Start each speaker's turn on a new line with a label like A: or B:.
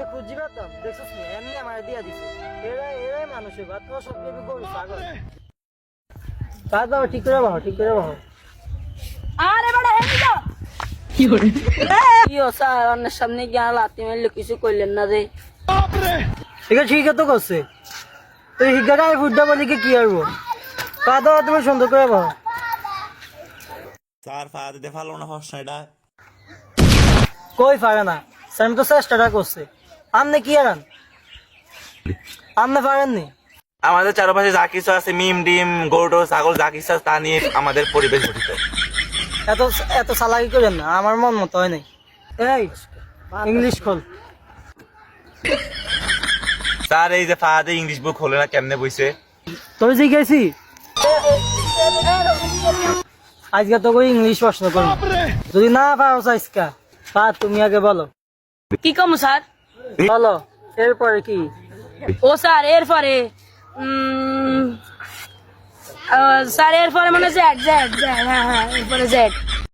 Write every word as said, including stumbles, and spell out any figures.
A: যদি খুঁজি পেতাম দেখছিস না এমনি আমার দিয়া দিছে এরা এরাই মানুষের বাদ তো সব কিছু গরু পাগল কাজ বাবা ঠিক করে বাবা ঠিক করে বাবা
B: আরে বড় হেই তো
C: কি করে
B: কি ও স্যার অন্যের সামনে গিয়ে লাথি মারলে কিছু কইলেন না রে
A: ঠিক আছে ঠিক তো করছে তুই হিগাটা ফুটটা বলি কি করবো কাজ বাবা তুমি সুন্দর করে বাবা
D: স্যার ফায়ার দিতে পারলো না হস এটা
A: কই পারে না স্যার তো চেষ্টাটা করছে আপনি কি আরান আপনি পারেননি
D: আমাদের চারপাশে যা কিছু আছে মিম ডিম গরু ছাগল যা কিছু আছে তা নিয়ে আমাদের পরিবেশ গঠিত।
A: এত এত চালাকি করেন না আমার মন মতো হয় নাই এই ইংলিশ খোল
D: স্যার এই যে ফাহাদে ইংলিশ বুক হলে না কেমনে বইছে
A: তোর জিজ্ঞাসি আজকে তো করে ইংলিশ প্রশ্ন করবো যদি না পারো আজকা পা তুমি আগে বলো
B: কি কম স্যার
A: বলো এরপরে কি
B: ও স্যার এরপরে উম, আহ, স্যার এরপরে মানে জেড জেড জেড হ্যাঁ হ্যাঁ এরপরে জেড